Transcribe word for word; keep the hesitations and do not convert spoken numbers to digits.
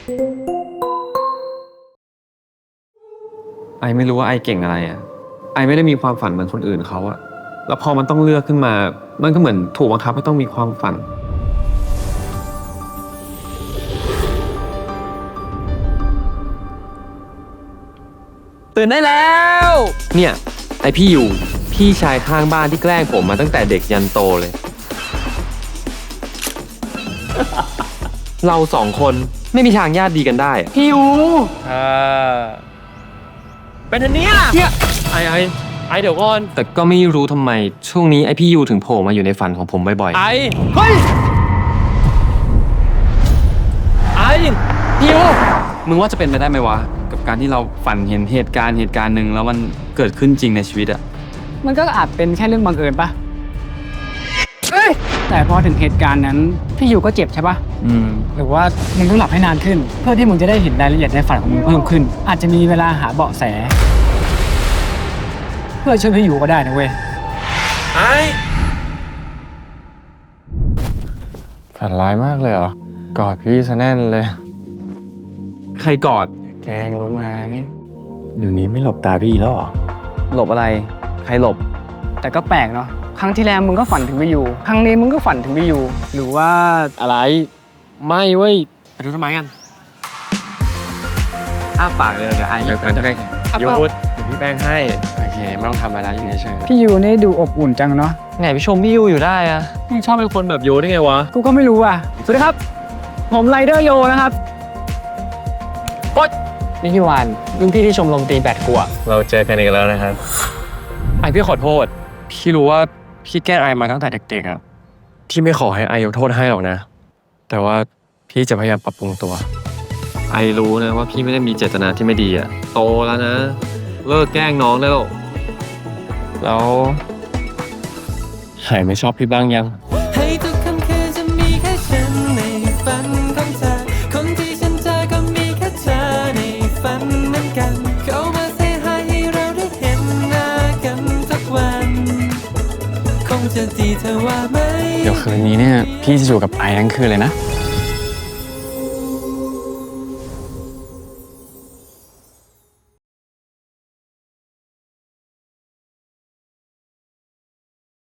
ไอไม่รู้ว่าไอเก่งอะไรอ่ะไอไม่ได้มีความฝันเหมือนคนอื่นเขาอะแล้วพอมันต้องเลือกขึ้นมามันก็เหมือนถูกบังคับให้ต้องมีความฝันตื่นได้แล้วเนี่ยไอพี่อยู่พี่ชายข้างบ้านที่แกล้งผมมาตั้งแต่เด็กยันโตเลย เราสองคนไม่มีทางญาติดีกันได้อะพี่อยู่อ่าเป็นอันเนี้ยเนี่ยไอไอไอเดี๋ยวก่อนแต่ก็ไม่รู้ทำไมช่วงนี้ไอพี่ยูถึงโผล่มาอยู่ในฝันของผมบ่อยๆไอเฮ้ยไอพี่ยูมึงว่าจะเป็นไปได้ไหมวะกับการที่เราฝันเห็นเหตุการณ์เหตุการณ์หนึ่งแล้วมันเกิดขึ้นจริงในชีวิตอะมันก็อาจเป็นแค่เรื่องบังเอิญปะเอ้ยแต่พอถึงเหตุการณ์นั้นพี่ยูก็เจ็บใช่ปะอืมหรือว่ามึงต้องหลับให้นานขึ้นเพื่อที่มึงจะได้เห็นรายละเอียดในฝันของมึงเพิ่มขึ้นอาจจะมีเวลาหาเบาะแสเพื่อช่วยพี่ยูก็ได้นะเว้ยไอฝันร้ายมากเลยเหรอกอดพี่ซะแน่นเลยใครกอดแกงลงมาไงเดี๋ยวนี้ไม่หลบตาพี่แล้วหรอหลบอะไรใครหลบแต่ก็แปลกเนาะครั้งที่แล้วมึงก็ฝันถึงพี่ยูครั้งนี้มึงก็ฝันถึงพี่ยูหรือว่าอะไรไม่เว้ยไปดูทำไมกันอ้าปากเลยเดี๋ยวไอ้เดี๋ยวจะได้ยูดเดี๋ยวพี่แป้งให้โอเคไม่ต้องทำอะไรอยู่เฉยๆพี่ยูนี่ดูอบอุ่นจังเนาะไหนไปชมพี่ยูอยู่ได้อะนี่ชอบเป็นคนแบบโยได้ไงวะกูก็ไม่รู้อ่ะสวัสดีครับผมไรเดอร์โยนะครับโอ๊ยนี่พี่วานรุ่นพี่ที่ชมรมตีแบดกูอะเราเจอกันอีกแล้วนะครับไอพี่ขอโทษพี่รู้ว่าพี่แกล้งไอมาตั้งแต่เด็กๆอะพี่ไม่ขอให้ไอยกโทษให้หรอกนะแต่ว่าพี่จะพยายามปรับปรุงตัวไอรู้นะว่าพี่ไม่ได้มีเจตนาที่ไม่ดีอะโตแล้วนะเลิกแกล้งน้องได้แล้วแล้วหายไม่ชอบพี่บ้างยังให้ทุกคำคือจะมีแค่ฉันในฝันของเธอคนที่ฉันเจอก็มีแค่เธอในฝันเหมือนกันเข้ามาเซฮายให้เราได้เห็นหน้ากันสักวันคงจะดีเธอว่าไหมเดี๋ยวคืนนี้เนี่ยพี่จะอยู่กับไอทั้งคืนเลยนะ